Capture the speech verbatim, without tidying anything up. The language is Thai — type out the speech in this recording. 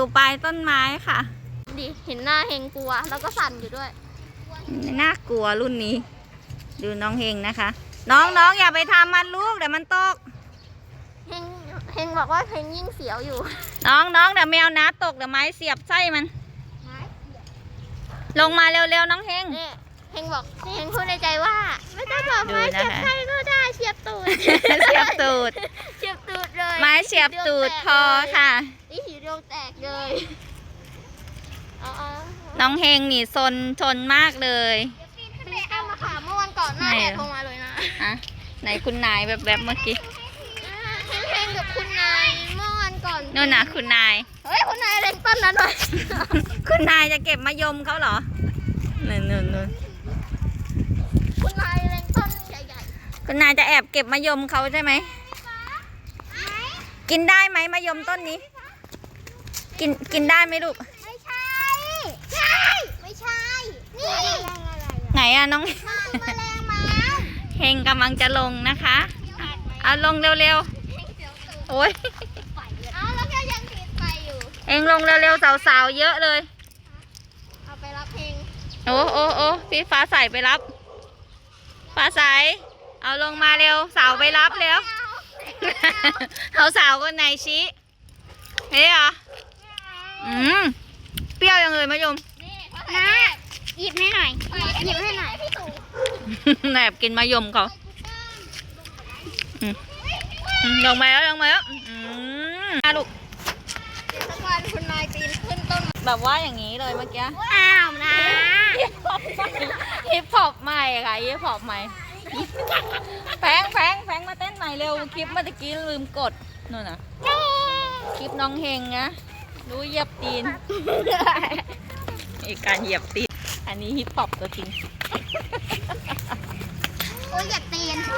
อยู่ปลายต้นไม้ค่ะดิเห็นหน้าเฮงกลัวแล้วก็สั่นอยู่ด้วยน่ากลัวรุ่นนี้ดูน้องเฮงนะคะน้องน้องอย่าไปทำมันลูกเดี๋ยวมันตกเฮงเฮงบอกว่าเฮงยิ่งเสียวอยู่น้องน้องเดี๋ยวแมวน้าตกเดี๋ยวไม้เสียบไส้มันลงมาเร็วๆน้องเฮงเฮงบอกเฮงพูดในใจว่าไม่ต้องบอกไม้เสียบไส้ก็ได้เสียบตูดเสียบตูดเสียบตูดเลยไม้เสียบตูดพอค่ะนี่หิวดวงแตกเลยน้องเฮงนี่ซนชนมากเลยไปเอามาขาเมื่อวันก่อนหน้าแดดลงมาเลยนะอะไหนคุณนายแบบแบบเมื่อกี้เฮงกับคุณนายเมื่อวันก่อนนู่นน่ะคุณนายเฮ้ยคุณนายเล็งต้นนั้นหน่อยคุณนายจะเก็บมะยมเขาเหรอนู่นนู่นนู่นคุณนายเล็งต้นใหญ่ๆคุณนายจะแอบเก็บมะยมเขาใช่ไหมกินได้ไหมมะยมต้นนี้กินกินได้ไหมลูกไม่ใช่ใช่ไม่ใช่นี่ไหนอะน้องแมลงเมาเฮงกำลังจะลงนะคะเอาลงเร็วๆโอ้ยเอาแล้วก็ยังติดไฟอยู่เฮงลงเร็วๆสาวๆเยอะเลยเอาไปรับเฮงโอ้โอ้โอ้พี่ฟ้าใสไปรับฟ้าใสเอาลงมาเร็วสาวไปรับเร็วเขาสาวคนไหนชี้เฮ้ยเหรออืมเปรี้ยวยังเลยมะยมนะหยิบให้หน่อยหยิบให้หน่อยแอบกินมะยมเขาลงมาแล้วลงมาแล้วอ่ะลูกเดี๋ยวสักวันคุณนายปีนขึ้นต้นแบบว่าอย่างนี้เลยเมื่อกี้อ้าวนะฮิปฮอปใหม่ค่ะฮิปฮอปใหม่แพงแพงแพงมาเต้นใหม่เร็วคลิปเมื่อกี้ลืมกดนู่นน่ะคลิปน้องเฮงนะรู้เหยียบตีนอีกการเหยียบตีนอันนี้ฮิปฮอปตัวจริงโอ้ยเหยียบตีน